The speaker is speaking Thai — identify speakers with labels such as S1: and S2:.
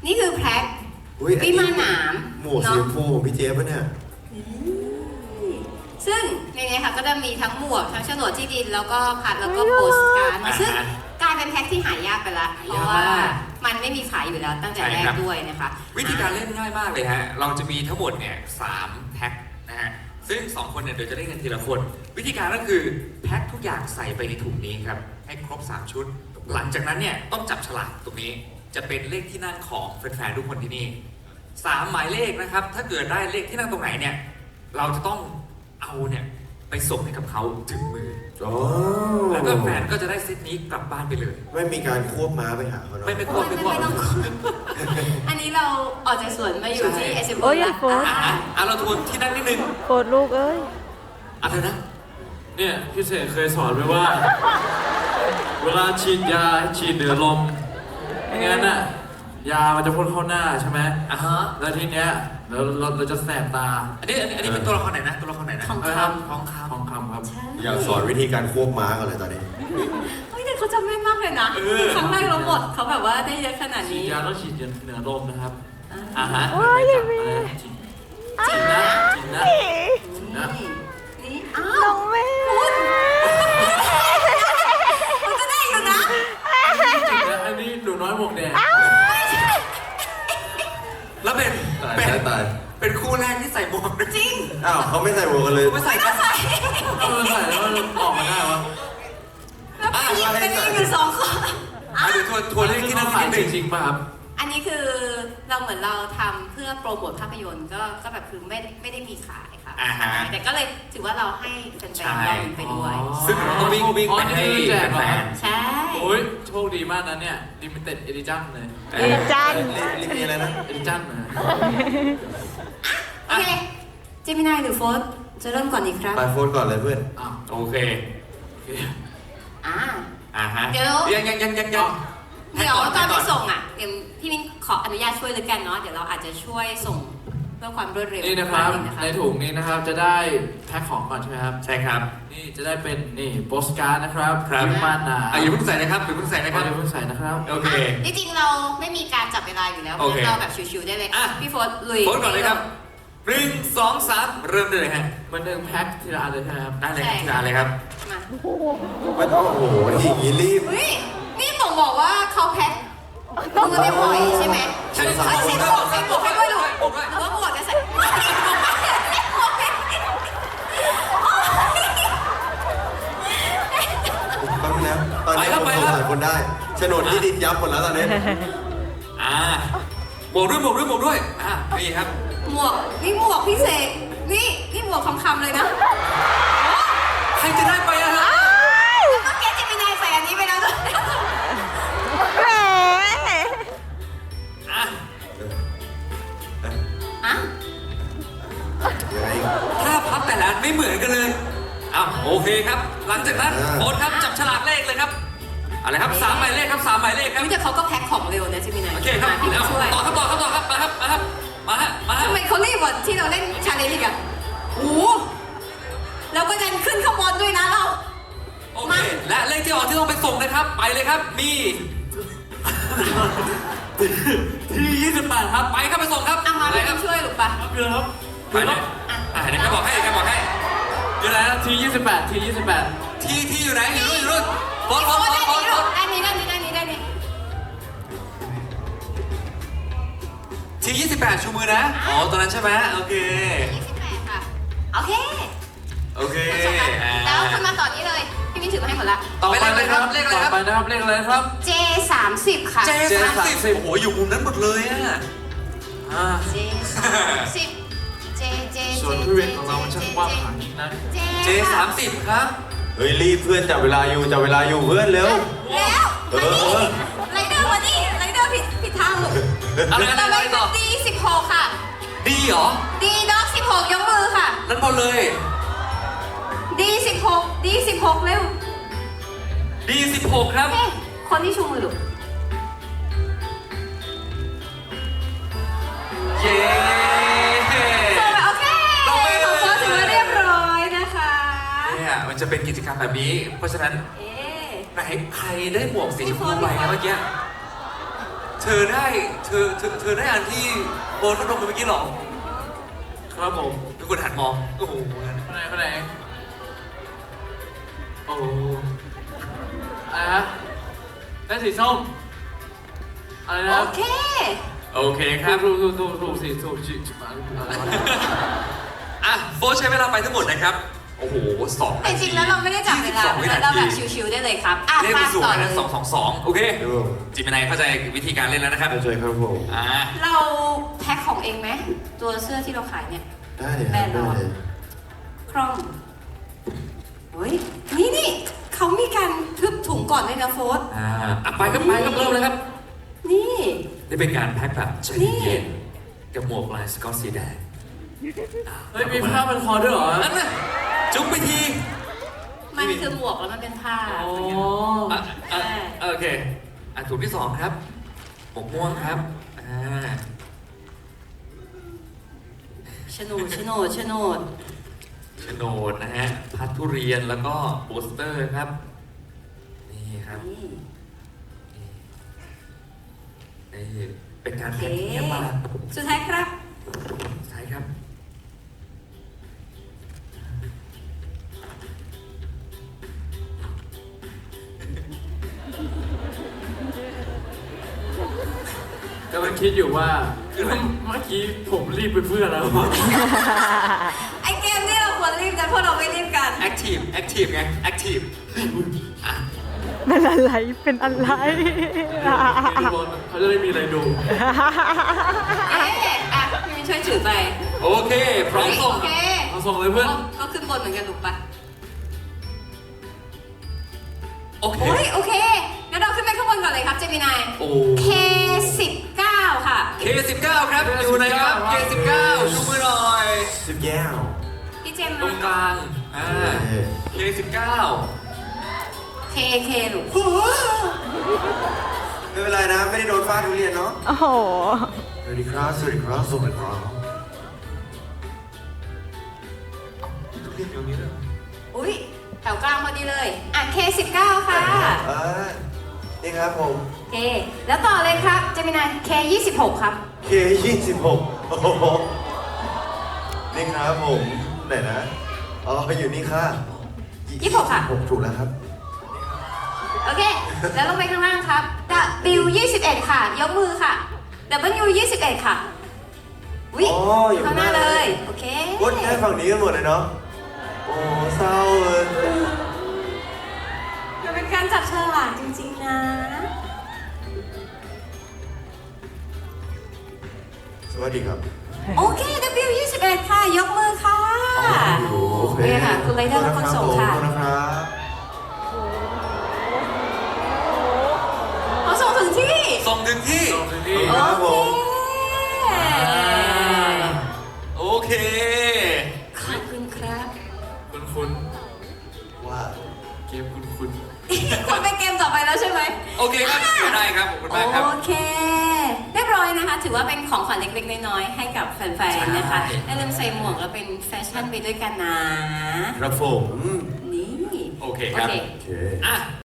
S1: นี่คือแพ็ควิมานหนาม
S2: หมวกสีชมพูของพี่เจี๊ยบปะเนี่ย
S1: ซึ่งในนี้ค่ะก็จะมีทั้งหมวกทั้งโฉนดที่ดินแล้วก็พัดแล้วก็โปสการ์ดซึ่งกลายเป็นแพ็คที่หายากไปละเพราะว่ามันไม่มีขายอยู่แล้วตั้งแต่แรกด้วยนะคะ
S3: วิธีการเล่นง่ายมากเลยฮะเราจะมีทั้งหมดเนี่ย3แพ็คนะฮะซึ่ง2คนเนี่ยเดี๋ยวจะได้เงินทีละคนวิธีการก็คือแพ็คทุกอย่างใส่ไปในถุงนี้ครับให้ครบ3ชุดหลังจากนั้นเนี่ยต้องจับฉลากตรงนี้จะเป็นเลขที่นั่งของแฟนๆทุกคนที่นี่3หมายเลขนะครับถ้าเกิดได้เลขที่นั่งตรงไหนเนี่ยเราจะต้องเอาเนี่ยไปส่งให้กับเขาถึงมือแล้วก็แฟนก็จะได้เซตนี้กลับบ้านไปเลย
S2: ไม่มีการควบม้าไปหาเขาเนาะ
S3: ไม่ควบ
S1: อันนี้เราออกจากสวนมาอยู่ที่เอสเอ็มโอแล้ว
S3: เราทวนที่นั่งนิดนึง
S4: โคตรลูกเอ้ย
S3: อะไรนะ
S5: เนี่ยพี่เสกเคยสอนไว้ว่าเวลาฉีดยาฉีดเหนือลมไม่งั้นน่ะยามันจะพ่นเข้าหน้าใช่ไหมแล้วทีเนี้ยเราจะแสบตา
S3: อันนี้เป็นตัวละครไหนนะตัวละครไหนนะ
S1: ทองคำ
S5: ครับ
S2: อยากสอนวิธีการควบม้ากันเลยตอนนี้
S1: เฮ้ยแต่เขาจำแม่นมากเลยนะครั้งแรกเราหมดเขาแบบว่าได้เยอะขนาดนี้
S5: ฉีดยาต้องฉีดเหนือลมนะครับ
S4: ว้ายยังมี
S5: ฉีดนะ
S1: นี่อ้าว
S4: น้องแม่
S1: มันก็ได้อยู่นะ
S5: อันนี้หนูน้อยหมวกแดง
S3: แล้วเป็นคู่แรกที่ใส่หมวก
S1: จริง
S2: อ้าวเขาไม่ใส่หมวกกันเลย
S3: ไม่ใส่กัน
S5: ใส่แล้วออกมาได้วะ
S1: แล้วพี่เป็นอยู่2 คน
S3: เดี๋ยวทัวร์เลขที่นั่ง
S5: ขายจริงป่ะครับ
S1: อันนี้คือเราเหมือนเราทำเพื่อโปรโมทภาพยนตร์ก็แบบคือไม่ได้มีขายค่ะแต่ก็เลยถือว่าเราให้แฟนๆได้ไปด้วย
S3: ซึ่งเราต้องวิ่งไปให้แฟน
S1: ใช่
S5: โอ้ยโชคดีมากนะเนี่ยลิมิเต็ดเอดิชั่นเลย
S4: เอดิชั่น
S2: มีอะไรนะ
S5: เอดิชั่นนะ
S1: โอเคเจมินายหรือโฟสจะเริ่มก่อนอีกครับ
S2: ไปโฟนก่อนเลยเพื่อน
S3: โอเค
S1: เดี๋ยวตอนไปส่งเดี๋ยวพี่มิ้นขออนุญาตช่วยเลยกันเนาะเดี๋ยวเราอาจจะช่วยส่งเพื่อความรวดเร็ว
S5: นี่นะครับในถุงนี้นะครับจะได้แพ็คของก่อนใช่ไหมครับ
S3: ใช่ครับ
S5: นี่จะได้เป็นนี่โปสการ์ดนะครับวิมานหนาม
S3: อย่าเพิ่งใส่นะครับอย่าเพิ่งใส่นะครับ
S5: อย่าเพิ่งใส่นะครับ
S3: โอเค
S1: จริงๆเราไม่มีการจับเวลาอยู่แล้วเราแบบชิวๆได้เลยพี่โฟสลุย
S3: โฟสก่อนเลยครับ1 2 3เริ่มได้เลยฮะ
S5: มัน1แพ็คทีละอันเลยครับ
S3: ได้เลยทีละอันเลยครับ
S1: มา
S2: โอ้โหอย่างนี้รีบ
S1: นี่บอกว่าเขาแพ็คมือไม่ปล่อยใช่ไหมใส่หมวกให้ด้วยลูกหรือว่าหมวกจะใส่
S2: ต้องนะตอนนี้ผมสงสัยคนได้โฉนดที่ดินยับหมดแล้วตอนนี้
S3: หมวกด้วยนี่ครับ
S1: หมวกพี่เสกนี่หมวกคำเลยนะ
S3: ใครจะได้ไปฮะ
S1: เมื่อกี้จะมีนายใส่อันนี้ไปแล้วด้วย
S3: ถ้าพับแต่ละไม่เหมือนกันเลยโอเคครับหลังจากนั้นโค้ดครับจับฉลากเลขเลยครับอะไรครับ3 หมายเลขครับ3 หมายเลขครับ
S1: แต่เขาก็แพ็คของเร็วนะจิมินาย
S3: โอเคครับพี่ช่วยต่อครับมา
S1: ทำไมเขารีบกว่าที่เราเล่นชาเลนจ์อีกโอ้แล้วก็ดันขึ้นขบวนด้วยนะเรา
S3: โอเคและเลขที่ออกที่ต้องไปส่งนะครับไปเลยครับมีที่28ครับไปครับไปส่งครับ
S1: มาเลยครับช่วยหรือปะ
S5: เดี๋ยวครับ
S3: ไปเลยเดี๋ยวแกบอกให้
S5: อยู่ไหนที28ที่
S3: อยู่ไหนอยู่รุ่นโค้ด
S1: อันนี้
S3: ที่28ชูมือนะตอนนั้นใช่ไหมโอเค
S1: 28ค่ะโอเคแล้วคุณมาต่อนี้เลยพี่มิ้นถือมาให้หมดละ
S3: ต่อไปเลยครับเลขอะไรครับ
S5: ไปนะครับเลขอะไรครับ
S1: J30 ค่ะ
S3: J30 โอ้โหอยู่มุมนั้นหมดเลย
S1: J30
S5: ส่วนพี่เวทของเราช่างกว้างขวางนะ
S3: J30 ครับ
S2: เฮ้ยรีบเพื่อนจับเวลาอยู่เพื่อนเร็ว
S1: ไรเดอร์มาดิไรเดอร์ผิดทาง
S3: อะไร
S1: ต่อ D16 ค่ะ
S3: ดีเหรอ
S1: D ด็อก16ยกมือค่ะ
S3: นั่นหมดเลย
S1: D16 เร็ว
S3: D16 ครับ
S1: คนที่ชูมือลูก
S3: เย้
S1: โอเคของโค้ชถือว่าเรียบร้อยนะคะ
S3: เนี่ยมันจะเป็นกิจกรรมแบบนี้เพราะฉะนั้นใครได้หมวกสีชมพูไปนะเมื่อกี้เธอได้อันที่โบนพัดลมไปเมื่อกี้หรอ
S5: ครับผม
S3: ทุกคนหันมองโอ้โห
S5: คนไหนโอ้อะไรฮะได้สีส้มอะไรนะ
S1: โอเค
S3: โอเคครับ
S5: ถูกสีถูกจิมาอะไรวะ
S3: อ่ะโฟร์ใช้เวลาไปทั้งหมดนะครับโอ้โห2
S1: แต่จริงๆแล้วเราไม่ได้จับเวลา
S3: 22วินา
S1: เรา
S3: ที
S1: แบบชิวๆได้เลยครับอ่ะ
S3: เล่น
S1: ฟา
S3: ไป
S1: ด
S3: สู่
S1: ต่อ
S3: คะแน
S1: เลย
S3: น2-2-2โอเค
S2: ดู
S3: จิมินายเข้าใจวิธีการเล่นแล้วนะครับ
S2: เข้าใจครับผม
S1: เราแพ็คของเองไหมตัวเสื้อที่เราขายเนี่ย
S2: ได้เลยครับได้เลย
S1: คล่องเฮ้ยนี่เขามีการทึบถุงก่อนเลยนะโฟส
S3: ไปครับเริ่มเลยครับ
S1: นี่
S3: นี่เป็นการแพ็คแบบใจ
S1: นี่
S3: เย็นกับหมวกลายสกอตสีแดง
S5: เฮ้ยมีผ้าพันคอด้วยเหรอ
S3: นั่นน่ะจุ๊บไปที
S1: มันคือหมวกแล้วมันเป็นผ้า
S5: อ๋อ
S3: โอเคถุงที่ 2 ครับหมวกม่วงครับ
S1: โฉนด
S3: โฉนดนะฮะพัดทุเรียนแล้วก็โปสเตอร์ครับนี่ครับ นี่เป็นการ
S1: โอเค
S3: แข่งที่เยี่ยมมาก
S1: สุดท้ายครับ
S3: ใช่ครับ
S5: กำลังคิดอยู่ว่าเมื่อกี้ผมรีบไปเพื่อแล้ว
S1: ไอเกมที่เราควรรีบแต่พวกเราไม่รีบกัน
S3: active ไง active
S4: เป็นอะไร เป็นอะไร
S5: เขาจะได้มีอะไรดู
S1: เอ๊ะอ่ะพี่มินช่วยถือไป
S3: โอเค พร้อมส่ง
S1: โอเค
S5: เอาส่งเลยเพื่อน
S1: ก็ขึ้นบนเหมือนกันถูกปะ
S3: โอเค
S1: โอ้ยโอเคงั้นเราขึ้นไปข้างบนก่อนเลยครับเจมินาย
S3: โอ้
S1: K19 ค่ะ
S3: K19 ครับ อยู่ไหนครับ K19 ชูมือหน่อย
S2: สิบแก้ว
S1: พี่เจม
S3: ตรงก
S1: มา
S3: ลางK19
S1: KK หนู
S2: ไม่เป็นไรนะ ไม่ได้โดนฟาดทุเรียนเนาะ
S4: โอ้โห
S2: สวัสดีครับ สวัสดีครับ สวัสดีครับ
S3: ทุเรียนอยู่นี้เลย
S1: อุ้ยแถวกลางพอดีเลย อ่ะ K19 ค่ะ
S2: นี่ครับผม
S1: โอเค แล้วต่อเลยครับเจมินาย K26 ครับ
S2: K26 โอ้โห นี่ครับผม ไหนนะ อ๋อ อยู่นี่ค่ะ
S1: 26ค่ะ
S2: ผมถูกแล้วครับ
S1: โอเค แล้วลงไปข้างล่างครับ W21 ค่ะ ยกมือค่ะ W21 ค่ะวิ
S2: อ๋ออยู่
S1: ข้างหน้า
S2: ข้างหน้า
S1: เล
S2: เลย ย
S1: โอเค
S2: วุ้นได้ฝั่งนี้กันหมดเลยเนาะ โอ้เศร้าเลย
S1: มันเป็นการจับฉลากจริงๆนะ
S2: สวัสดีครับ
S1: โอเค W21 ค่ะ ยกมือค่ะ
S2: โอเค
S1: ค่ะ คุณไรเดอร์และคนส่งค่ะ
S2: ขอบณนะครับ
S1: เขาส่งถึงที่
S3: ส่งถึงที่
S2: ครับผม
S1: โอเค
S3: โอเค
S1: ขอบคุณครับ
S5: คุณ
S2: ว่า
S5: เกมคุณ
S1: คุณไปเกมต่อไปแล้วใช่ไหม
S3: โอเคครับได้ครับ ขอบคุณมากครับ
S1: โอเค เรียบร้อยนะคะ ถือว่าเป็นของขวัญเล็กๆ น้อยๆ ให้กับแฟนๆ นะคะ
S3: ใช่
S1: อย่าลืมใส่หมวกแล้วเป็นแฟชั่นไปด้วยกันนะ
S2: ครับผม
S1: นี่
S3: โอเคครับ
S1: โอเค
S2: โอเค
S3: อ่ะ